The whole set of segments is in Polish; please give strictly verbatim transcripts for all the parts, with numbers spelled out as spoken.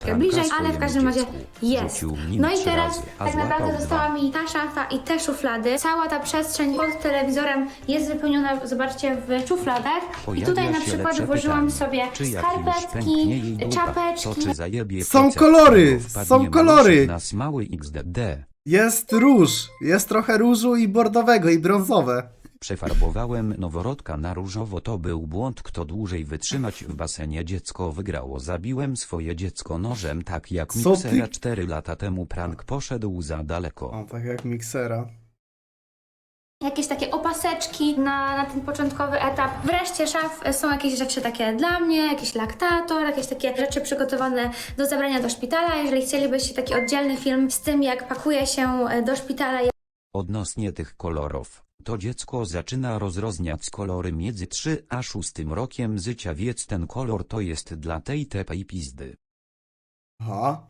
bliżej, ale w każdym razie jest. No i teraz tak naprawdę została mi ta szafa i te szuflady. Cała ta przestrzeń pod telewizorem jest wypełniona, zobaczcie, w szufladach. I tutaj na przykład włożyłam sobie skarpetki, czapeczki. Są kolory, są kolory. Nas mały X D D. Jest róż, jest trochę różu i bordowego i brązowe. Przefarbowałem noworodka na różowo, to był błąd, kto dłużej wytrzymać w basenie dziecko wygrało. Zabiłem swoje dziecko nożem, tak jak Co Miksera ty? cztery lata temu. Prank poszedł za daleko. O, tak jak miksera. Jakieś takie opaseczki na, na ten początkowy etap. Wreszcie szaf są jakieś rzeczy takie dla mnie, jakiś laktator, jakieś takie rzeczy przygotowane do zabrania do szpitala. Jeżeli chcielibyście taki oddzielny film z tym, jak pakuje się do szpitala. Odnośnie tych kolorów, to dziecko zaczyna rozrozniać kolory między trzy a szóstym rokiem życia, więc ten kolor to jest dla tej tepej pizdy. Aha.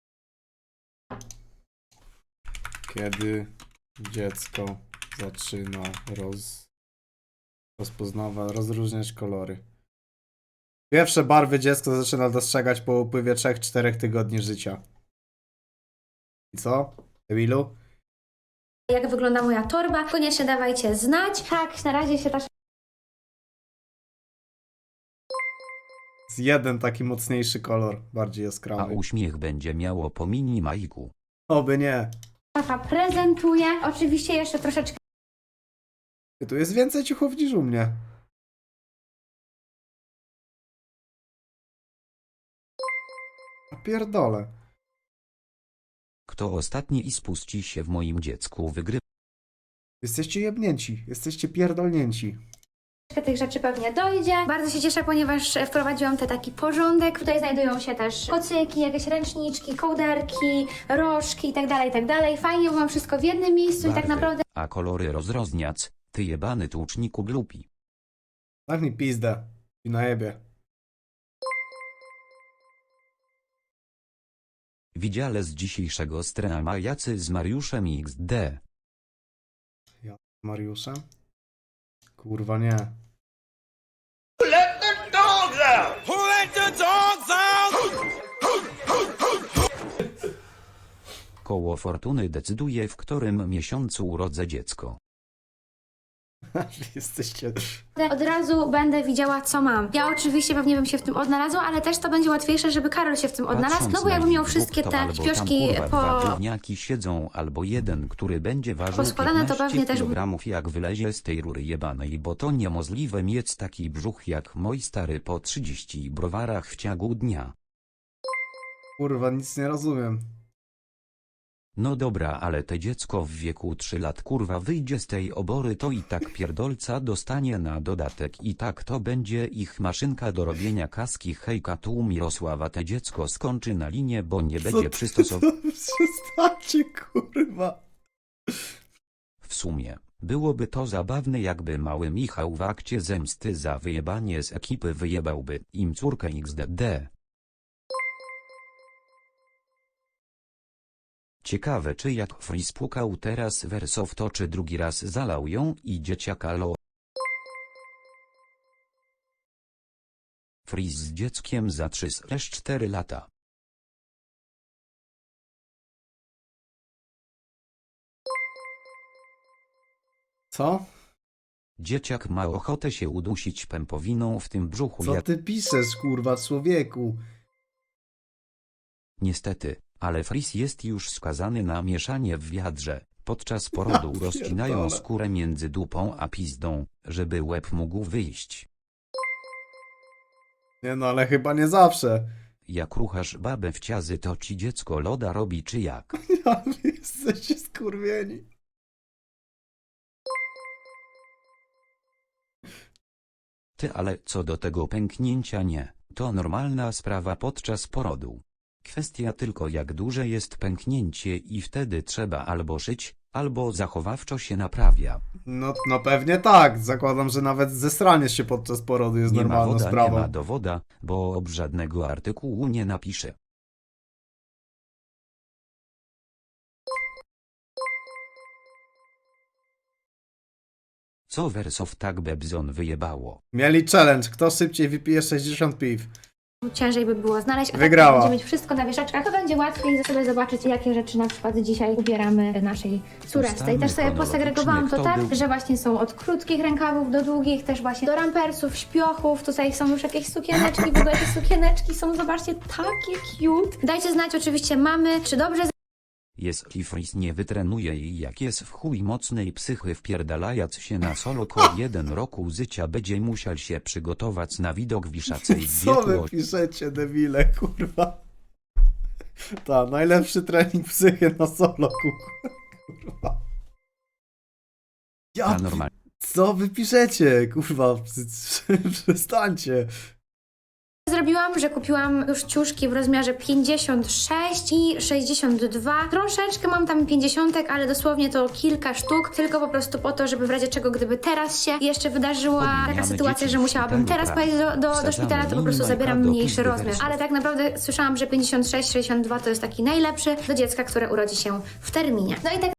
Kiedy dziecko zaczyna roz... rozpoznawać, rozróżniać kolory. Pierwsze barwy dziecko zaczyna dostrzegać po upływie trzech czterech tygodni życia. I co, Emilu? Jak wygląda moja torba, koniecznie dawajcie znać. Tak, na razie się ta Jest jeden taki mocniejszy kolor, bardziej A jaskrawy. uśmiech będzie miało po mini majku. Oby nie. szafa prezentuje. Oczywiście jeszcze troszeczkę Tu jest więcej ciuchów niż u mnie. A pierdolę. Kto ostatni i spuści się w moim dziecku wygrywa. Jesteście jebnięci, jesteście pierdolnięci. tych rzeczy pewnie dojdzie. Bardzo się cieszę, ponieważ wprowadziłam te taki porządek. Tutaj znajdują się też kocyki, jakieś ręczniczki, kołderki, rożki itd., itd. Fajnie, bo mam wszystko w jednym miejscu i tak Barwy, naprawdę A kolory rozrozniac, ty jebany tłuczniku glupi. Tak mi pizdę. I na jebie. Widziale z dzisiejszego streama jacy z Mariuszem X D. Ja z Mariuszem? Kurwa nie. Let the dogs out! Who let the dogs out? Koło fortuny decyduje, w którym miesiącu urodzę dziecko. Jesteście... od razu będę widziała, co mam. Ja oczywiście pewnie bym się w tym odnalazła, ale też to będzie łatwiejsze, żeby Karol się w tym odnalazł, Patrząc no bo na jakbym miał ich wszystkie dwóch, to te albo tam, śpioszki kurwa, dwa po... gówniaki siedzą, albo jeden, który będzie ważył Poskładane, to pewnie też- kilogramów, jak wylezie z tej rury jebanej, bo to niemożliwe mieć taki brzuch jak mój stary po trzydziestu browarach w ciągu dnia. Kurwa, nic nie rozumiem. No dobra, ale te dziecko w wieku trzech lat kurwa wyjdzie z tej obory, to i tak pierdolca dostanie na dodatek i tak to będzie ich maszynka do robienia kaski. Hejka, tu Mirosława, te dziecko skończy na linię, bo nie będzie przystosowane. Przestańcie, kurwa. W sumie, byłoby to zabawne, jakby mały Michał w akcie zemsty za wyjebanie z ekipy wyjebałby im córkę X D D. Ciekawe, czy jak Freeze pukał teraz Wersow, to czy drugi raz zalał ją i dzieciaka lo. Freeze z dzieckiem za trzy cztery lata. Co? Dzieciak ma ochotę się udusić pępowiną w tym brzuchu. Co Jak... ty piszesz, kurwa, człowieku? Niestety, ale Freeze jest już skazany na mieszanie w wiadrze. Podczas porodu Ja rozcinają pierdolę. skórę między dupą a pizdą, żeby łeb mógł wyjść. Nie no, ale chyba nie zawsze. Jak ruchasz babę w ciazy, to ci dziecko loda robi czy jak? Ja, wy jesteście skurwieni. Ty, ale co do tego pęknięcia, nie, to normalna sprawa podczas porodu. Kwestia tylko, jak duże jest pęknięcie i wtedy trzeba albo szyć, albo zachowawczo się naprawia. No, no pewnie tak. Zakładam, że nawet zesranie się podczas porodu jest Nie ma normalną woda, sprawą. nie ma dowoda, bo ob żadnego artykułu nie napiszę. Co Wersow tak Bebzon wyjebało? Mieli challenge, kto szybciej wypije sześćdziesiąt piw. ciężej by było znaleźć, a Wygrała. tak będzie mieć wszystko na wieszaczkach, to będzie łatwiej sobie zobaczyć, jakie rzeczy na przykład dzisiaj ubieramy naszej córeczce. I też sobie posegregowałam to tak, że właśnie są od krótkich rękawów do długich, też właśnie do rampersów, śpiochów, tutaj są już jakieś sukieneczki, w ogóle te sukieneczki są, zobaczcie, takie cute. Dajcie znać oczywiście mamy, czy dobrze Jeśli Fris nie wytrenuje i jak jest w chuj mocnej psychy wpierdalając się na solo ko jeden roku życia będzie musiał się przygotować na widok wiszacej w Co wy wieku. piszecie, debile, kurwa? Ta, najlepszy trening psychy na solo, kurwa. Ja, A normalnie. co wy piszecie, kurwa? Przestańcie. zrobiłam, że kupiłam już ciuszki w rozmiarze pięćdziesiąt sześć i sześćdziesiąt dwa. Troszeczkę mam tam pięćdziesiątek, ale dosłownie to kilka sztuk, tylko po prostu po to, żeby w razie czego, gdyby teraz się jeszcze wydarzyła taka Podmieniamy sytuacja, dzieci że w musiałabym szpitalu, teraz tak. pojechać do, do, do Wsadzamy szpitala, to po prostu minimajka zabieram do mniejszy pizdy rozmiar. wersów. Ale tak naprawdę słyszałam, że pięćdziesiąt sześć sześćdziesiąt dwa to jest taki najlepszy do dziecka, które urodzi się w terminie. No i tak